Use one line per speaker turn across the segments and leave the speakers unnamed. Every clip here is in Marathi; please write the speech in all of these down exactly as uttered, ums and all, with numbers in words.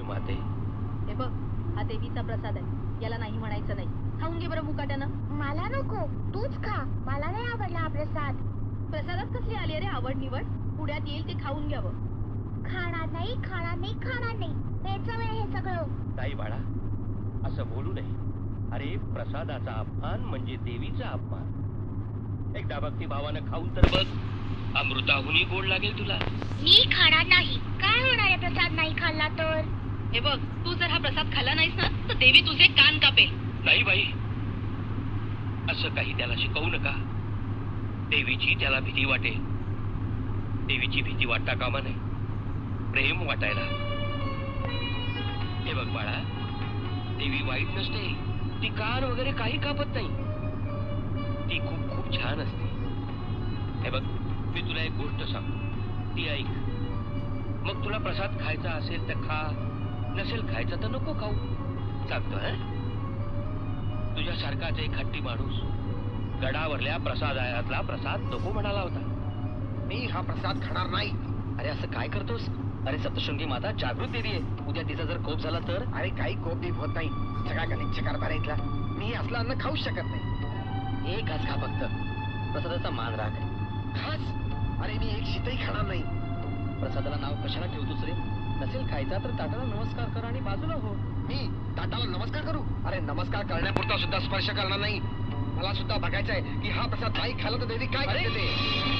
माते.
हे बघ, हा देवीचा प्रसाद आहे, याला नाही म्हणायचं नाही. खाऊन घे बरं मुकाट्यानं.
मला नको, तूच खा. मला नाही आवडला हा प्रसाद.
प्रसादात कसली आली अरे आवड निवड? पुढ्यात येईल ते खाऊन घ्यावं.
खाणार नाही, खाणार नाही, खाणार नाही. बेचव आहे हे सगळं.
ताई बाळा, असं बोलू नये. अरे प्रसादाचा अपमान म्हणजे देवीचा अपमान. एकदा भक्ती भावानं खाऊन तर बघ, अमृताहुनी गोड लागेल तुला.
मी खाणार नाही. काय होणार आहे प्रसाद नाही खाल्ला तर?
हे बघ, तू जर हा प्रसाद खाल्ला नाहीस ना तर देवी तुझे कान कापेल.
नाही बाई, असं काही त्याला शिकवू नका. देवीची त्याला भीती वाटेल. देवीची भीती वाटता कामा नये, प्रेम वाटायला. हे बघ बाळा, देवी वाईट नसते. ती कान वगैरे काही कापत नाही. ती खूप खूप छान असते. हे बघ, मी तुला एक गोष्ट सांगतो, ती ऐक. मग तुला प्रसाद खायचा असेल तर खा, नसेल खायचा तर नको खाऊ. सांगतो हा. तुझ्यासारखाच एक हट्टी माणूस गडावरल्या प्रसादालयातला प्रसाद नको म्हणाला होता.
मी हा प्रसाद खाणार नाही.
अरे असं काय करतोस? अरे सप्तशृंगी माता जागृत देवी आहे. उद्या तिचा जर कोप झाला तर?
अरे काही कोप बीप होत नाही. सगळा गणितच्या कारभार इथला. मी असलं अन्न खाऊच शकत नाही.
एक घास खा फक्त, प्रसादाचा मान राख.
खास? अरे मी एक शीतही खाणार नाही.
प्रसादाला नाव कशाला ठेवतोस रे? नसेल खायचा तर ताटाला नमस्कार कर आणि बाजूला हो.
मी ताटाला नमस्कार करू? अरे नमस्कार करण्यापुरता सुद्धा स्पर्श करणार नाही. मला सुद्धा बघायचं आहे की हा प्रसाद नाही खाला तर देवी काय करते ते.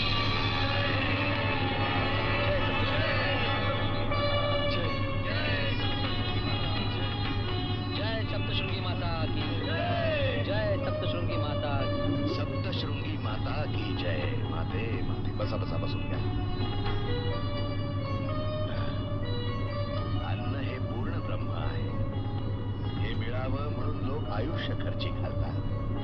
जय सप्तशृंगी माता की जय. सप्तशृंगी माता की.
सप्तशृंगी माता की जय. माते माते बसा बसा बसून घ्या. अन्न हे पूर्ण ब्रह्म आहे. हे मिळावं म्हणून लोक आयुष्य खर्ची घालतात.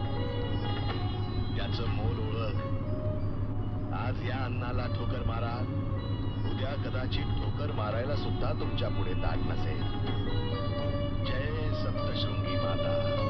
त्याचं मोल ओळख. आज या अन्नाला ठोकर मारा, उद्या कदाचित ठोकर मारायला सुद्धा तुमच्या पुढे ताट नसेल. जय सप्तशृंगी माता.